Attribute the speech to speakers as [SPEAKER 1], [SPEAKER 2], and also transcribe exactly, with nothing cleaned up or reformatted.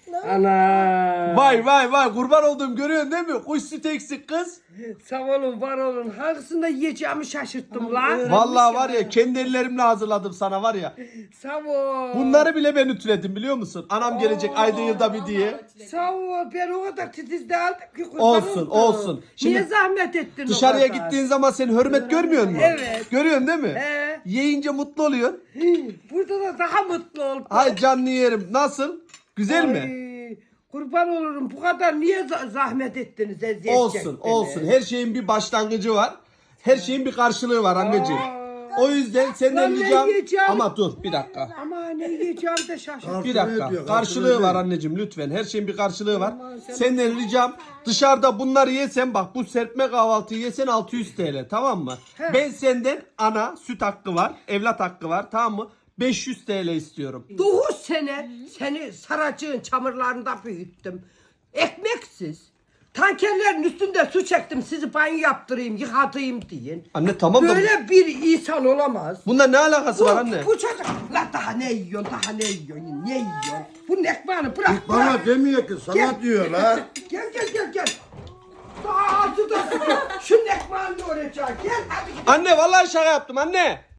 [SPEAKER 1] Ana.
[SPEAKER 2] Vay vay vay kurban olduğum görüyorsun değil mi? Kuş sütü eksik kız.
[SPEAKER 1] Sağ olun var olun. Hangisinde yiyeceğimi şaşırttım lan.
[SPEAKER 2] Vallahi var ya kendi ellerimle hazırladım sana var ya.
[SPEAKER 1] Sağ ol.
[SPEAKER 2] Bunları bile ben ütüledim biliyor musun? Anam gelecek ayda yılda bir diye.
[SPEAKER 1] Sağ ol. Ben o kadar titiz değildim ki. kurban
[SPEAKER 2] Olsun,
[SPEAKER 1] oldum.
[SPEAKER 2] olsun. Şimdi
[SPEAKER 1] Niye zahmet ettin
[SPEAKER 2] Dışarıya
[SPEAKER 1] o kadar?
[SPEAKER 2] gittiğin zaman sen hürmet görmüyor musun?
[SPEAKER 1] Evet.
[SPEAKER 2] Görüyorsun değil mi?
[SPEAKER 1] He.
[SPEAKER 2] Yiyince mutlu oluyorsun.
[SPEAKER 1] Burada da daha mutlu oldum.
[SPEAKER 2] Ay canlı yerim. Nasıl? Güzel mi?
[SPEAKER 1] Ay, kurban olurum. Bu kadar niye za- zahmet ettiniz? Eziyet
[SPEAKER 2] Olsun,
[SPEAKER 1] çektiniz?
[SPEAKER 2] olsun. Her şeyin bir başlangıcı var. Her şeyin bir karşılığı var anneciğim.
[SPEAKER 1] Aa.
[SPEAKER 2] O yüzden senden
[SPEAKER 1] Lan ne
[SPEAKER 2] ricam...
[SPEAKER 1] yiyeceğim?
[SPEAKER 2] Ama dur bir dakika.
[SPEAKER 1] Ama ne yiyeceğim de şaşırdım.
[SPEAKER 2] Bir dakika.
[SPEAKER 3] ediyor,
[SPEAKER 2] Karşılığı
[SPEAKER 3] karşılığı
[SPEAKER 2] var
[SPEAKER 3] ediyor.
[SPEAKER 2] anneciğim lütfen. Her şeyin bir karşılığı var.
[SPEAKER 1] Aman sen-
[SPEAKER 2] Senden ricam dışarıda bunları yesen bak bu serpme kahvaltıyı yesen altı yüz TL tamam mı?
[SPEAKER 1] He.
[SPEAKER 2] Ben senden ana süt hakkı var, evlat hakkı var tamam mı? beş yüz TL istiyorum.
[SPEAKER 1] Dokuz sene seni saracığın çamurlarında büyüttüm. Ekmeksiz. Tankerlerin üstünde su çektim sizi banyo yaptırayım, yıkatayım deyin.
[SPEAKER 2] Anne tamam da
[SPEAKER 1] Böyle bir insan olamaz.
[SPEAKER 2] bunda ne alakası
[SPEAKER 1] Bu,
[SPEAKER 2] var anne?
[SPEAKER 1] bu çocuk, la daha ne yiyorsun, daha ne yiyorsun, ne yiyorsun? Bu nekmanı bırak,
[SPEAKER 3] Bana
[SPEAKER 1] bırak.
[SPEAKER 3] demiyor ki sana
[SPEAKER 1] Gel.
[SPEAKER 3] diyor la.
[SPEAKER 1] Gel, gel, gel, gel. Daha ağzı da sıkıyor. Şu nekmanı doğrayacak, gel hadi.
[SPEAKER 2] Anne vallahi şaka yaptım anne.